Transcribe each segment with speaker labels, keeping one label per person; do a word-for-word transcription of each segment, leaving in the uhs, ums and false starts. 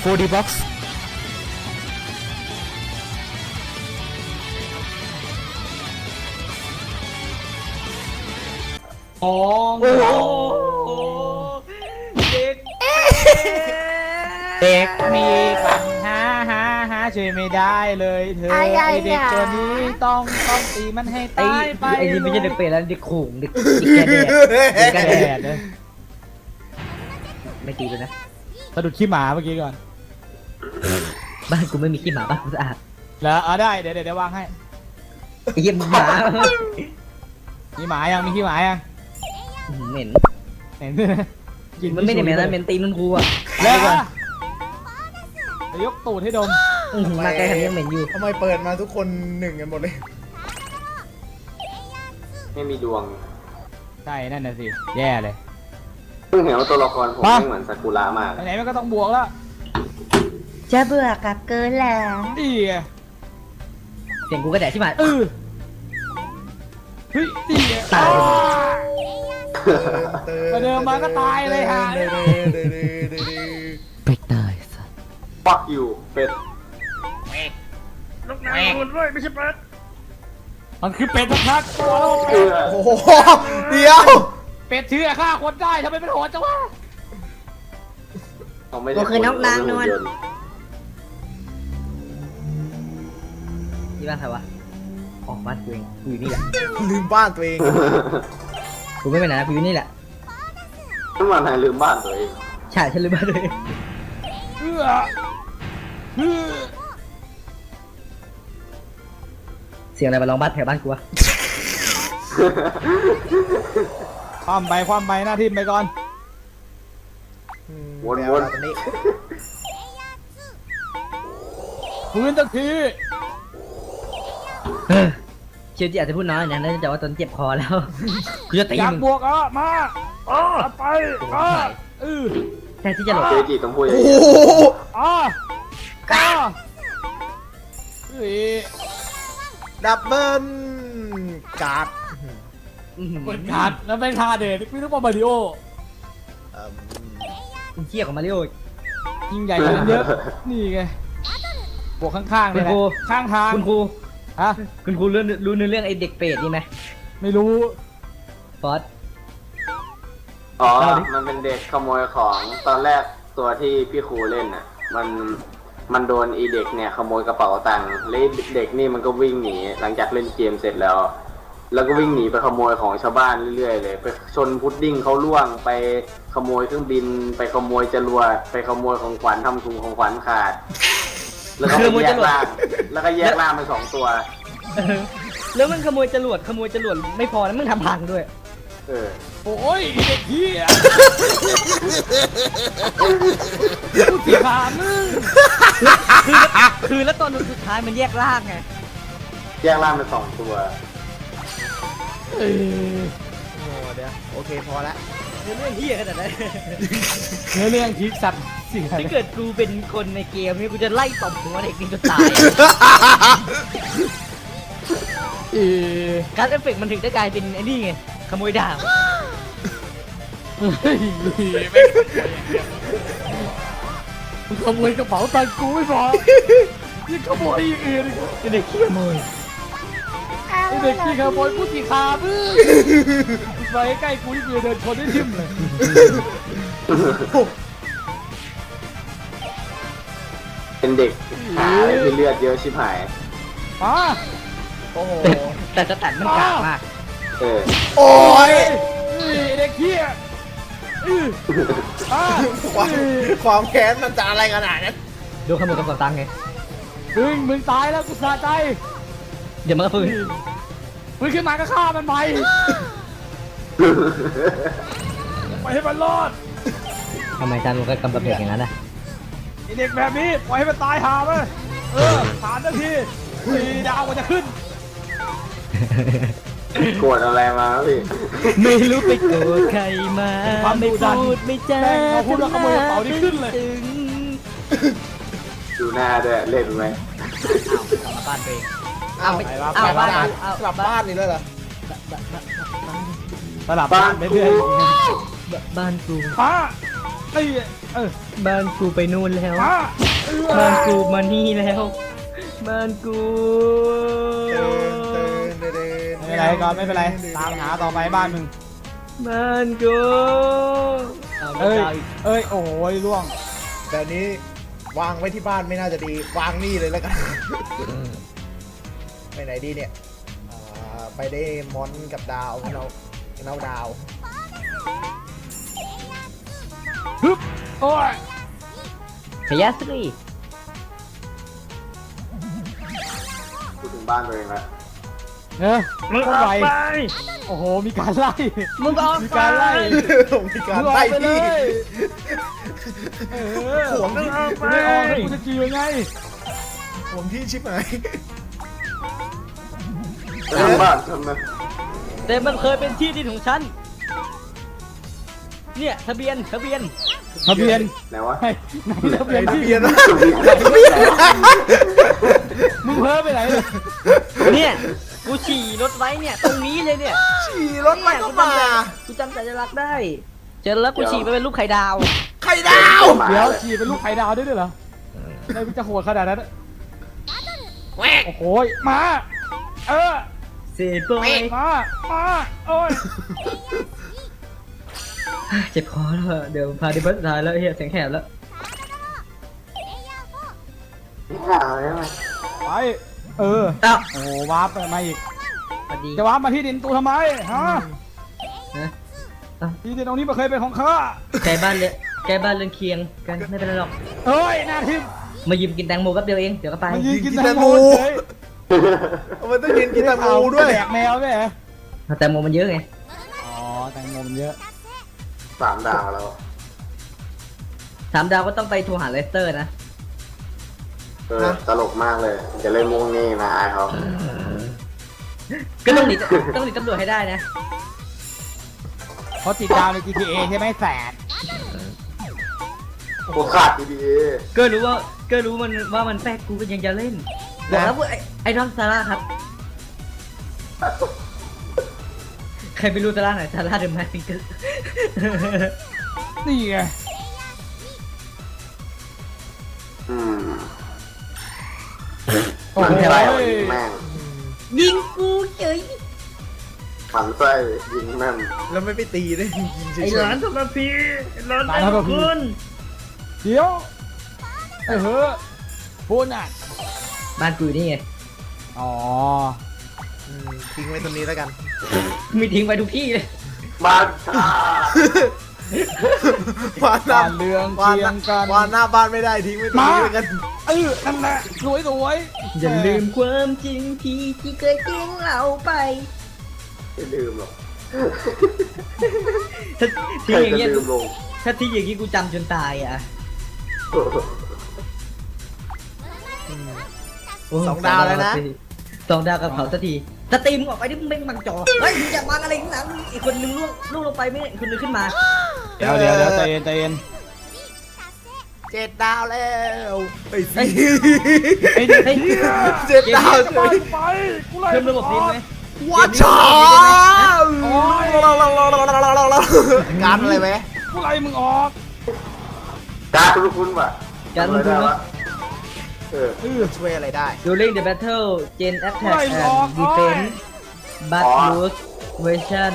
Speaker 1: ร์ ดี Box
Speaker 2: โอ้โหเด็กเด็กมีปัญหาหาหาช่วยไม่ได้เลยเธอไอเด็กตัวนี้ต้องต้องตีมันให้ตายไปไอ้นี่ไม่ใช่เด็กเปรตแล้วเด็กขู่เด็กแกแดดเด็กแกแดดเลยไม่ตีเลยนะสะดุดขี้หมาเมื่อกี้ก่อนบ้านกูไม่มีขี้หมาบ้านกูสะอาดแล้วเอาได้เดี๋ยวเดี๋ยววางให้ไอ้เหี้ยหมามีหมายังมีขี้หมายังเหม็นเหม็นกินมันไม่ได้เหม็นนะเหม็นตีนมันกูอ่ะแล้วยกตูดให้ดมมาไกลขนาดนี้เหม็นอยู่
Speaker 3: ทำไมเปิดมาทุกคนหนึ่งกันหมดเลย
Speaker 4: ไม่มีดวง
Speaker 2: ใช่นั่นน่ะสิแย่เลย
Speaker 4: เพิ่งเห็นว่าตัวละครผมไม่เหมือนซากุระมาก
Speaker 2: ไหนมันก็ต้องบวกแล้ว
Speaker 5: จะเบื่อกับเกินแล้ว
Speaker 2: ดีเสียงกูก็แดดที่มาเออเฮ้ยดีตายมาเดิมมาก็ตายเลยฮะเป็ดตายสัส
Speaker 4: ปักอยู่เป็ด
Speaker 2: ลูกนางมันด้วยไม่ใช่เป็ดมันคือเป็ดทักตัว
Speaker 3: โอ้โหเดี๋ยว
Speaker 2: เป็ดเชื่อฆ่าคนได้ทำไมเป็นโหดจังวะ
Speaker 5: ก็คือน้องนางนวล
Speaker 2: ที่บ้านใครวะออกบ้านตัวเองกูอยู่นี่แหละ
Speaker 3: ลืมบ้านตัวเอง
Speaker 2: กูไม่ไปไหนนะกูอยู่นี่แหละ
Speaker 4: ทำไมนายลืมบ้านตัวเอง
Speaker 2: ใช่ฉันลืมบ้านตัวเองเออเสียงอะไรมาลองบ้านแถวบ้านกูวะความไปความไปหน้าที่ไปก่อน
Speaker 4: วนวน
Speaker 2: พื้นตะทีเชียวจีอาจจะพูดน้อยนะน่าจะว่าตอนเจ็บคอแล้วกูจะตีมึงอยากบวกอ่ะมาอ่ะไปอ่ะเออแต่ที่จะหลบ
Speaker 4: เชียวจีต้องพูดอย่าง
Speaker 3: นี้
Speaker 2: อ่ะก้าเฮ้ย
Speaker 3: ดับเบิ้ลการ์ด
Speaker 2: เปิดการ์ดแล้วเป็นทาเดนไม่ต้องมามาริโอเชี่ยของมาริโอยิ่งใหญ่กว่านั้นเยอะนี่ไงบวกข้างๆเลยนะข้างทางคุณครูฮะคุณครูรู้รู้เรื่องไอ้เด็กเปรตนี่ไหมไม่รู้ฟอส
Speaker 4: อ๋อมันเป็นเด็กขโมยของตอนแรกตัวที่พี่ครูเล่นน่ะมันมันโดนอีเด็กเนี่ยขโมยกระเป๋าตังค์แล้วเด็กนี่มันก็วิ่งหนีหลังจากเล่นเกมเสร็จแล้วแล้วก็วิ่งหนีไปขโมยของชาวบ้านเรื่อยๆเลยไปชนพุดดิ้งเขาล่วงไปขโมยเครื่องบินไปขโมยจรวดไปขโมยของขวัญทำถุงของขวัญขาดแล้วก็แยกล่างแล้วก็แยกล่างเป็นสองตัว
Speaker 2: แล้วมันขโมยจรวดขโมยจรวดไม่พอนะมึงทำพังด้วย
Speaker 4: เออ
Speaker 2: โอ้ยเด็กเหี้ยกูเสียขามึงคือคือแล้วตอนสุดท้ายมันแยกล่างไง
Speaker 4: แยกล่างเป็นสองตัว
Speaker 3: โอ้เดี๋ยวโอเคพอละ
Speaker 2: เรื่องเหี้ยขนาดนั้นเรื่องคิดสัตว์สิ่งถ้าเกิดกูเป็นคนในเกมนี่กูจะไล่ตบหัวเด็กนี่จนตายการเอฟเฟกต์มันถึงได้กลายเป็นไอ้นี่ไงขโมยดาบมึงขโมยกระเป๋าตังค์กูไม่พอยังขโมยอีกอื่นไอ้เด็กขี้ขโมยไอ้เด็กขี้ขโมยกูสีขามึงไปใกล้กูที่กูเดินชนได้ทิ่มเลย
Speaker 4: เป็นเด็กหาที่เลือดเยอะชิบหาย
Speaker 2: อ๋อโอ้โหแต่สแตทมันกากมาก
Speaker 4: เออ
Speaker 3: โอ้ย
Speaker 2: เด็กเหี้ย
Speaker 3: ความความแค้นมันจะอะไรขนาดนั้น
Speaker 2: ดูขโมยกระเป๋าตังค์ไงมึงมึงตายแล้วกูสะใจเดี๋ยวมันก็ฟื้นฟื้นขึ้นมาก็ฆ่ามันไปไปให้มันรอดทำไมจานมึงก็กำกับเด็กอย่างนั้นนะไอเด็กแบบนี้ปล่อยให้มันตายหาไปเออผ่านนาทีสี่ดาวมันจะขึ้น
Speaker 4: โกรธอะไรมาพี่
Speaker 2: ไม่รู้ไปโกรธใครมาไม่พูดไม่จาพูดแล้วขโมยกระเป๋านี่ขึ้นเลย
Speaker 4: ดูหน้าด้วยเล่นไหม
Speaker 2: กลับมาบ้านเอง
Speaker 3: เอาไปเอาบ้านกลับบ้านนี่ด้วยเหรอ
Speaker 2: สลับบ้านไปเรื่อยบ้านกูป้าเอ้ยเออ
Speaker 3: บ้านกูไปนู่นแล้ว
Speaker 2: มา
Speaker 3: บ้านกูมานี่แล้วบ้านกู
Speaker 2: ไม่เป็นไรก่อนไม่เป็นไรตามหาต่อไปบ้านมึง
Speaker 3: บ้านกูเอา
Speaker 2: เอ้ย
Speaker 3: ดาวอีก
Speaker 2: เอ้ยโอ้ยล่วง
Speaker 1: แต่นี้วางไว้ที่บ้านไม่น่าจะดี วางนี่เลยแล้วกัน ไปไหนดีเนี่ยอ่าไปได้มอนกับดาวเราเราดาว
Speaker 2: ฮึบโอ้ย
Speaker 3: ขยะสรี
Speaker 4: พูดถึงบ้านตัวเองแล้ว
Speaker 2: เนอะ
Speaker 3: มึง
Speaker 2: โค
Speaker 3: อ
Speaker 2: ตร
Speaker 3: อ
Speaker 2: ไว
Speaker 3: กไป
Speaker 2: โอ้โหมีการไล่
Speaker 3: มึงออก
Speaker 2: มี
Speaker 3: ไป
Speaker 2: การไล่
Speaker 1: มีการ
Speaker 2: มึงออ
Speaker 1: ไล่
Speaker 2: กไปเล
Speaker 1: ที่
Speaker 2: ยเออ
Speaker 1: ห่วง
Speaker 3: มึง
Speaker 1: ที่
Speaker 3: ออกไป
Speaker 2: ไม่ออกแล้วกูจะจีบยังไง
Speaker 1: ห่วงที่ชิบหาย
Speaker 4: ทำบ้านทำไม
Speaker 3: แต่มันเคยเป็นที่ดินของฉันเนี่ยทะเบียนทะเบียน
Speaker 2: ทะเบียน
Speaker 4: ไหนวะ
Speaker 2: ไหนไหนทะเบียน
Speaker 1: ทะ
Speaker 2: ที่
Speaker 1: เบียนนะ
Speaker 2: มึงเพ้อไปไหนเลย
Speaker 3: เนี่ยกูฉี่รถไว้เนี่ยตรงนี้เลยเนี่ย
Speaker 1: ฉี่รถไปก็มา
Speaker 3: กูจำสัญลักษณ์ได้เจอแล้วกูฉี่ไปเป็นลูกไข่ดาว
Speaker 1: ไข่ดาว
Speaker 2: เดี๋ยวฉี่เป็นลูกไข่ดาวด้วยด้วยเหรออะไรมึงจะโหดขนาดนั้นอะโอ้โหมาเออ
Speaker 3: เสียบอย
Speaker 2: มามาโอ้ย
Speaker 3: เจ็บคอแล้วอะเดี๋ยวพาดิบัสสุดท้ายแล้วเฮียเสียงแหบแล้ว
Speaker 4: ไม่ข่าวใช่ไหม
Speaker 2: ไปเออ
Speaker 3: อ้าว
Speaker 2: โอ้โหวาร์ปไปมาอีก
Speaker 3: สวัสดี
Speaker 2: จะวาร์ปมาที่ดินตูทำไมฮะ
Speaker 3: ฮะอ้าว
Speaker 2: ที่ดินตรงนี้มันเคยเป็นของข้า
Speaker 3: แกบ้านเลยแกบ้านเรือนเคียงกันไม่เป็นไรหรอก
Speaker 2: เอ้ยหน้าทิม
Speaker 3: มายืมกินแตงโมแป๊บเดียวเองเดี๋ยวก็ไป
Speaker 2: มันยืนกินแตงโมเฉย
Speaker 1: มันต้องยืนกินแตงโมด้วย
Speaker 2: แดกแมวด้วยเหรอ
Speaker 3: แตงโมมันเยอะไง
Speaker 2: อ๋อแตงโมมันเยอะ
Speaker 4: สามดาวแล้ว
Speaker 3: สามดาวก็ต้องไปโทรหาเลสเตอร์นะ
Speaker 4: เออตลกมากเลย จะเล่นมุงนี่นะอายเขา
Speaker 3: ก็ต้องหนีต้องหนีตำรวจให้ได้นะ
Speaker 2: เพราะติดดาวใน จี ที เอ ใช่ไหมแสน
Speaker 4: กูขาดดี
Speaker 3: ก็รู้ว่าก็รู้มันว่ามันแป๊กกูก็ยังจะเล่นบอกแล้วว่าไอ้ไอ้น้องซาร่าครับ ใครไม่รู้ซาร่าไหนซาร่าเดอะแมสซิงเกิล
Speaker 2: นี่ไง
Speaker 4: ๆอืม
Speaker 2: โอ้
Speaker 4: มัน
Speaker 2: โห
Speaker 4: ไส้แม่ง
Speaker 3: ยิงกูเฉย
Speaker 4: มันไส้ยิงแม่ง
Speaker 1: แล้วไม่ไปตีเลยยิงเฉ
Speaker 3: ไอ้
Speaker 1: ย
Speaker 3: หลานทรพีไอ้หลานไอ้คุณ
Speaker 2: เดี๋ยวเออเฮ้อพูดอ่ะ
Speaker 3: บ้านกูอยู่นี่ไง
Speaker 2: อ๋อ
Speaker 1: ๆอืมทิ้งไว้ตรงนี้แล้วกัน
Speaker 3: มีทิ้งไปทุกที่เลย
Speaker 4: บ้านชาว
Speaker 1: านหน้า
Speaker 2: บ้านเรือง
Speaker 1: วาน
Speaker 2: เคี
Speaker 1: ห
Speaker 2: ย
Speaker 1: น้าง
Speaker 2: กัน
Speaker 1: วานหน้าบ้านไม่ได้ทิ้งไว้ตรงนี้แล้วกัน
Speaker 2: เออนั่นแหละสวยสวย
Speaker 3: อย่าลืมความจริงที่ที่เคยทิ้งเราไป
Speaker 4: ไม่ลืมหรอก
Speaker 3: ถ้า
Speaker 4: ใค
Speaker 3: ทิ้
Speaker 4: รง
Speaker 3: อย่าง
Speaker 4: จะ
Speaker 3: เงี้ย
Speaker 4: ลืมลง
Speaker 3: ถ้าทิ้งอย่างงี้กูจำจนตายอ่ะโ
Speaker 1: สองดาวแล้วนะ
Speaker 3: สองดาวกับเขาสักทีสตรีมมึงออกไปดิมึงไม่บังจอเฮ้ยมึงอยากมาอะไรข้างหลังอีกคนนึงล่วงล่วงลงไปไม่ได้อีกคนนึงขึ้นมา
Speaker 2: เดี๋ยวเดี๋ยวเดี๋ยวใจเย็นใจเย็น
Speaker 1: เจ็ดดาวแล้วไอ้สิ
Speaker 3: เฮ้ยเฮ้ย
Speaker 1: เจ็ดดาวเฉ
Speaker 2: ไป
Speaker 1: ย
Speaker 2: ไปกูไล่
Speaker 3: เพิ่มระบบนี้ไหม
Speaker 1: วัดชาการอะไรไหม
Speaker 2: กูไล่มึงออก
Speaker 4: การคุณคุณป่ะ
Speaker 3: การ
Speaker 4: ทำอะไร
Speaker 3: คุณ
Speaker 4: ได้
Speaker 3: วะ
Speaker 4: วะเออ
Speaker 2: เออ
Speaker 1: ช่วยอะไรได้
Speaker 3: During the battle Gen Attack
Speaker 2: ไม่
Speaker 3: and
Speaker 2: ออก
Speaker 3: Defense but
Speaker 4: อ๋อ
Speaker 3: lose version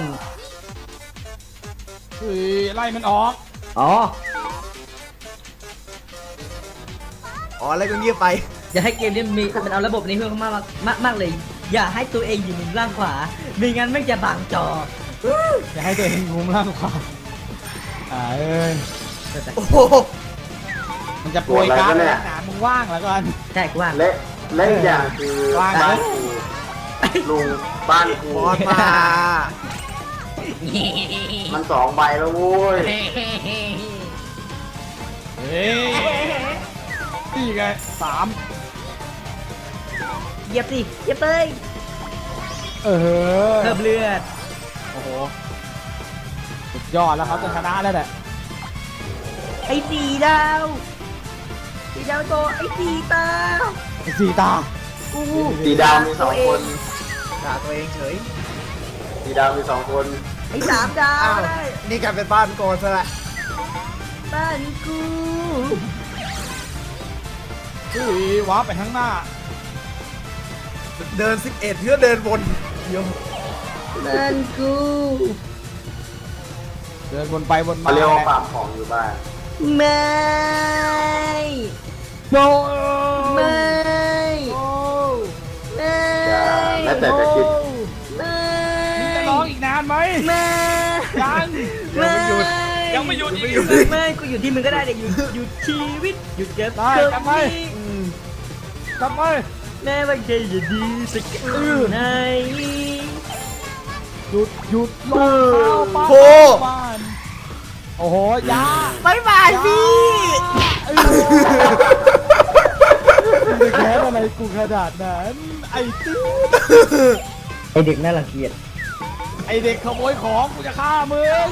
Speaker 2: เฮ้ยไล่มันออก
Speaker 3: อ๋อ
Speaker 1: อ๋ออะไรก็เงียบไป
Speaker 3: อย่าให้เกมนี้มีมันเอาระบบนี้เพิ่มมากมากมากเลย อย่าให้ตัวเองอยู่มุมล่างขวาไม่งั้นไม่จะบังจอ
Speaker 2: อย่าให้ตัวเองงุมล่างขวาอ่าเอ้ย
Speaker 1: โอ้โห
Speaker 2: มันจะป่วยการ์ดแล้วหนามึงว่างแล้วกัน
Speaker 3: ใช่กว่าง
Speaker 4: เละเละอย่างคือ
Speaker 2: ว่าง
Speaker 4: บ้านกูลุงบ้านกู
Speaker 1: บอลมา
Speaker 4: มันสองใบแล้วโว้ย
Speaker 2: เฮ้ยนี่ไงสาม
Speaker 3: เหยียบสิเหยียบเลย
Speaker 2: เออ
Speaker 3: เพิ่มเลือด
Speaker 2: โอ้โหสุดยอดแล้วครับจะชนะแล้วแหละ
Speaker 3: ไอ้สีดาวสีดาวโตไอ้สีตา
Speaker 2: ไอ้สี่ตา
Speaker 3: อู้
Speaker 4: สีดาวมีสองคน
Speaker 1: ด่าตัวเองเฉย
Speaker 4: สีดาวมีสองคน
Speaker 3: ไอ้สามดา
Speaker 1: อ้าว ว
Speaker 3: ได้
Speaker 1: นี่กลายเป็นบ้านโกนซะละ
Speaker 3: บ้านกู
Speaker 2: เฮ้ยว้าร์ปไปข้างหน้า
Speaker 1: เดินสิบเอ็ดเพื่อเดินวนเดียว
Speaker 3: บ้านกู
Speaker 2: เดินวนไปวนมา
Speaker 4: เขาเรียกว่าฟาร์มของอยู่บ้าน
Speaker 3: ไม่
Speaker 2: โน
Speaker 3: ไม่
Speaker 2: โอ้
Speaker 3: ไม่
Speaker 4: อย่าแม้แต่จะคิด
Speaker 3: ไม่
Speaker 2: มึงจะร้องอีกนานไหม
Speaker 3: ไม่
Speaker 2: ยัง
Speaker 3: ไม่
Speaker 2: ยังไม่หยุดอีก
Speaker 3: ไม่กูอยู่ที่มึงก็ได้เดี๋ยวหยุดหยุดชีวิตหยุดเก็บ
Speaker 2: ได้
Speaker 3: เกิ
Speaker 2: กลับไป กลับไป
Speaker 3: แม้ว่าจะจะดีสักแค่ไหน
Speaker 2: หยุดหยุดลงเท้าป้า
Speaker 1: โค
Speaker 2: บ้านโอ้โหยา
Speaker 1: บายบายพี่
Speaker 2: เออมึงจะแค้นอะไรกูขนาดนั้นไอ้ตื้อ
Speaker 3: ไอเด็กน่ารังเกียจ
Speaker 2: ไอเด็กขโมยของกูจะฆ่ามึง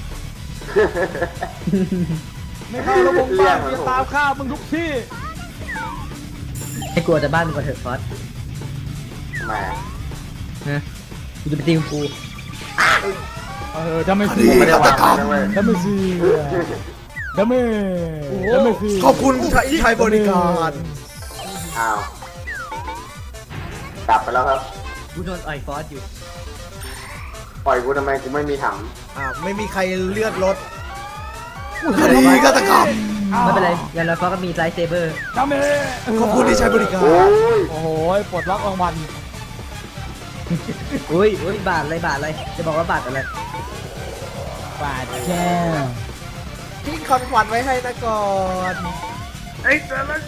Speaker 2: ไม่เข้าระบบบ้านกูจะตามฆ่ามึงทุกที่
Speaker 3: ให้กลัวแต่บ้านมึงก่อนเถอะฟอส
Speaker 4: ทำไมอะ
Speaker 3: นะกูจะไปตีกู
Speaker 2: เออจะไม่
Speaker 1: ค
Speaker 2: ซี
Speaker 1: ดี
Speaker 4: ไม่ได้าง
Speaker 1: ฆาวตกรรม
Speaker 4: นะเว้ย
Speaker 2: จะไม่ซีจะไม่จะไม่ซี
Speaker 1: ขอบคุณที่ใช้บริการ
Speaker 4: อ้าวกลับไปแล้วครับ
Speaker 3: กูโดนอ่อยฟอสอยู่
Speaker 4: ปล่อยกูทำไมกูไม่มีถัง
Speaker 1: อ่าไม่มีใครเลือดรถคดีฆาตกรรม
Speaker 3: ไม่เป็นไรอย่างไรฟอสก็มีไลท์เซเบอร์
Speaker 2: จะไม่
Speaker 1: ขอบคุณที่ใช้บริการ
Speaker 4: โอ้ย
Speaker 2: โอ้โหปลดล็อกรางวัล
Speaker 3: อุ้ยอุ้ยบาทอะไรบาทอะไรจะบอกว่าบาทอะไร
Speaker 2: บาดแจ้ง
Speaker 1: ทิ้งคอนขวัญไว้ให้นะก่อน
Speaker 2: ไอ้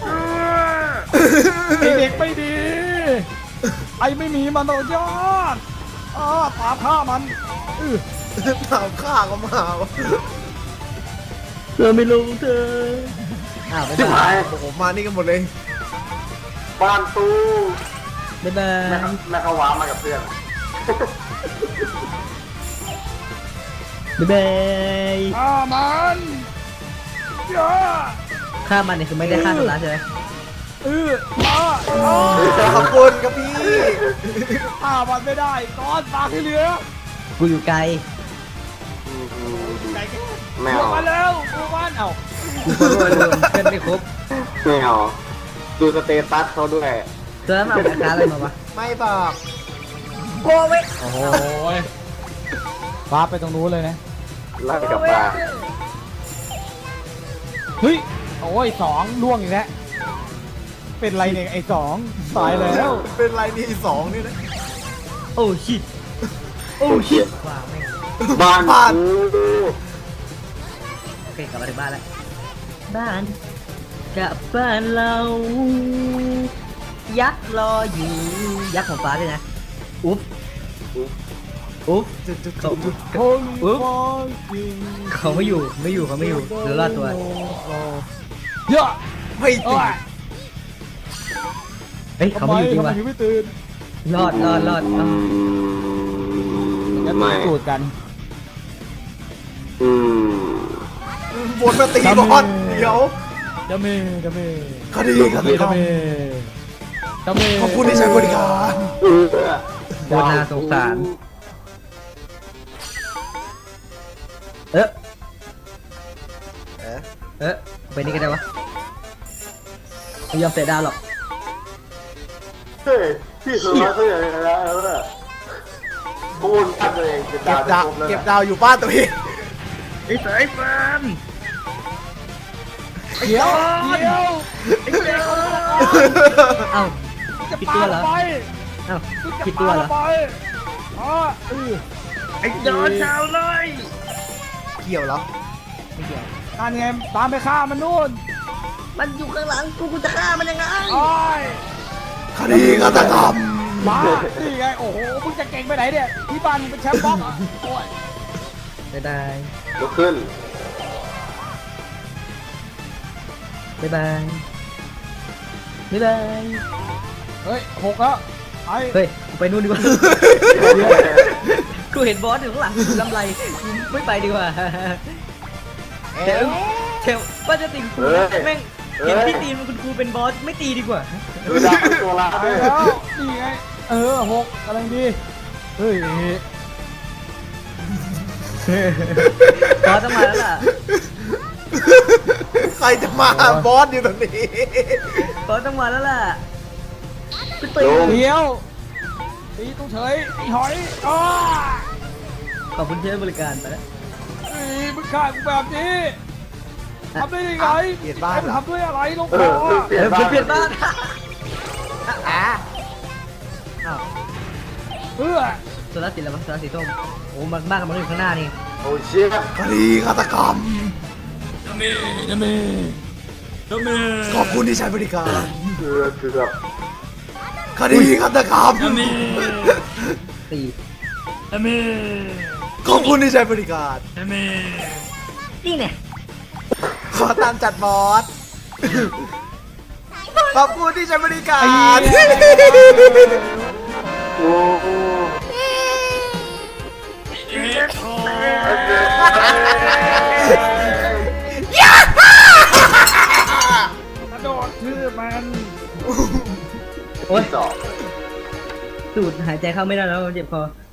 Speaker 2: เด็กไม่ดี ไอ้ไม่มีมันต่อยอดอ้าตามฆ่ามันอื้อ
Speaker 1: ถามข้าก็มาวะ
Speaker 3: เธอไม่ลงเธออ้าวบ๊าย
Speaker 4: ชิบ
Speaker 3: บา
Speaker 4: หาย ย
Speaker 1: โอ้โหมานี่กันหมดเลย
Speaker 4: บ้านตู้
Speaker 3: บ๊ายบา
Speaker 4: แม่
Speaker 3: ย
Speaker 4: เขาแม่เขาว้ามากับเพื่อน
Speaker 3: บ๊ายบาย
Speaker 2: ฆ่ามันย่า
Speaker 3: ฆ่ามันเนี่ยคือไม่ได้ฆ่าตัวร้ายใช่ไหม
Speaker 2: เอออ้าอ้า
Speaker 1: ขอบคุณครับพี่
Speaker 2: ฆ่ามันไม่ได้ก้อนปากให้เหลือ
Speaker 3: กูอยู่ไกล
Speaker 2: ไก่กัน
Speaker 4: ไม่
Speaker 2: บว
Speaker 4: เอา
Speaker 2: กมาแล้วบวกมันเอ้า
Speaker 3: กูก็รวยรวมเพื่อนไม่ครบ
Speaker 4: ไม่เอาดูสเตตัสเขาด้วย
Speaker 3: เธอมาเอาราคาอะไรมาวะ
Speaker 1: ไม่บอก
Speaker 3: โคเว
Speaker 2: โอ้โหฟ้าไปตรงนู้นเลยนะ
Speaker 4: ไล่กลับบ้าน
Speaker 2: เฮ้ยโอ้ยสองล่วงอีกแล้วเป็นไรเนี่ยไอ้สองตายแล้ว
Speaker 1: เป็นไรนี่สองนี่นะ
Speaker 3: โอ้ชิตโอ้ชิตว้าวแม่ง
Speaker 4: บ้าน
Speaker 1: บ้าน
Speaker 4: กู
Speaker 3: โอเคกลับมาถึงบ้านแล้วบ้านกลับบ้านเรา ยักษ์รออยู่ยักษ์ของฟ้าด้วยนะอุ๊บอุ๊บ
Speaker 1: จุดจุด
Speaker 3: เขา
Speaker 1: จุด
Speaker 2: โอ้ยฟองจริง
Speaker 3: เขาไม่อยู่ไม่อยู่เขาไม่อยู่เหลือรอดตัว
Speaker 2: เยอะ
Speaker 1: ไม่
Speaker 2: โอ้
Speaker 1: ติด
Speaker 2: ย
Speaker 3: เฮ้ยเขาไม่อยู่จริง
Speaker 2: ทำไม
Speaker 3: วะ
Speaker 2: ถึงไม่ตื่น
Speaker 3: รอดรอดรอดเอ้า
Speaker 2: จะ
Speaker 4: ไม่
Speaker 2: ตื่นสูตรกัน
Speaker 4: อืม
Speaker 1: บนมาตีบอลเดี๋ยว
Speaker 2: จะมีจะมี
Speaker 1: คดีฆาตกร
Speaker 2: จะ
Speaker 1: รม
Speaker 2: มีจะมี
Speaker 1: ขอบคุณที่ใช้บริการ
Speaker 4: เออ
Speaker 3: โคตรน่าสงสารเออ
Speaker 1: เอ๊ะ
Speaker 3: เออไปนี่ก็ได้วะไม่ยอมเตะดาวหรอก
Speaker 4: เฮ้ยพี่สุดยอดเขาอย่างไรแล้วเนี่ยกูนตั้งตัวเองเก็บ
Speaker 1: เก็
Speaker 4: ดาว
Speaker 1: บ
Speaker 4: จะ
Speaker 1: ดาว
Speaker 4: ครบแล้ว
Speaker 1: เก็บ
Speaker 4: นะ
Speaker 1: ดาวอยู่บ้านตัวเอง
Speaker 3: ไอ้สายฟาร์ม
Speaker 2: เดี๋ยวเดี๋ยว
Speaker 3: เอ้า
Speaker 2: จะ
Speaker 3: ผิด
Speaker 2: ปา
Speaker 3: ตัวเหรอ
Speaker 2: ไป
Speaker 3: เอ้า
Speaker 2: จะ
Speaker 3: ผิดตัวเหรอ
Speaker 2: ปาไปอ๋อเออ
Speaker 3: ไอ้ยอดชาวเลย
Speaker 1: เกี่ยวเหรอ
Speaker 3: ไม่เกี่ยว
Speaker 2: นั่นไงตามไปฆ่ามันนู่น
Speaker 3: มันอยู่ข้างหลังกูกูจะฆ่ามันยังไง
Speaker 2: โอ้ย
Speaker 1: คดีฆาตกรรม
Speaker 2: มานี่ไงโอ้โหมึงจะเก่งไปไหนเนี่ยที่บ้านมึงเป็นแชมป์บล็อกเหรอโอ้ย
Speaker 3: บ๊ายบาย
Speaker 4: ลุกขึ้น
Speaker 3: บ๊ายบายบ๊ายบาย
Speaker 2: เฮ้ยหกแล้วไอ้
Speaker 3: เฮ้ยกูไปนู่นดีกว่ากูเห็นบอสอยู่ข้างหลังลำไรกูไม่ไปดีกว่าเทลเทลว่าจะตีกูนะแม่งเห็นพี่ตีมันคุณครูเป็นบอสไม่ตีดีกว่า
Speaker 4: ดูดาวเป็นตัวร้า
Speaker 2: ไป
Speaker 4: ยด้วย
Speaker 2: แล้วนี่ไงเออหกกำลังดีเฮ้ย
Speaker 3: บอสต้องมาแล้วล่ะ
Speaker 1: ใครจะมาบอสอยู่ตรงนี้
Speaker 3: บอสต้องมาแล้วล่ะคุณตี
Speaker 4: ลุง
Speaker 2: เดียวตีต้องเฉยไอ้หอยอ้า
Speaker 3: ขอบคุณที่ให้บริการไปแล้ว
Speaker 2: เฮ้ยมึงฆ่ากูแบบนี้ทำได้ยังไง
Speaker 1: เปลี่ยนบ้าน
Speaker 2: ให้มัน
Speaker 1: เหรอ
Speaker 2: ทำด้วยอะไรลง
Speaker 4: เอ
Speaker 2: ค
Speaker 4: อ
Speaker 2: อ
Speaker 4: เปลี่ย
Speaker 3: เอน อ
Speaker 4: บ้าน
Speaker 3: เปลี่ยนบ้าน
Speaker 1: อ่ะ
Speaker 2: เพื่อ
Speaker 3: โซลาร์สีแล้วมั้งโซลาร์สีส้มโอ้มันบ้านมันอยู่ข้างหน้านี่
Speaker 4: โอ้เชี่ย
Speaker 1: คดีฆาตกรรม
Speaker 2: น้ำมีน้ำมีน้ำมี
Speaker 1: ขอบคุณที่ใช้บริการ
Speaker 4: เกือบเกือบ
Speaker 1: คดีฆาตกรรม
Speaker 2: น้ำมี
Speaker 3: สี่
Speaker 2: น้ำมี
Speaker 1: ขอบคุณที่ใช้บริการ
Speaker 2: น้ำมี
Speaker 3: นี่เนี่ย
Speaker 1: ขอตามจัดบอส ขอบคุณที่ใช้บริกา
Speaker 2: ไอ้
Speaker 1: ร
Speaker 2: เหี้ย
Speaker 4: โอ้โห
Speaker 2: กระโดดชื่อมัน
Speaker 3: โอ้ย
Speaker 4: สอง
Speaker 3: สูดหายใจเข้าไม่ได้แล้วเจ็บคอ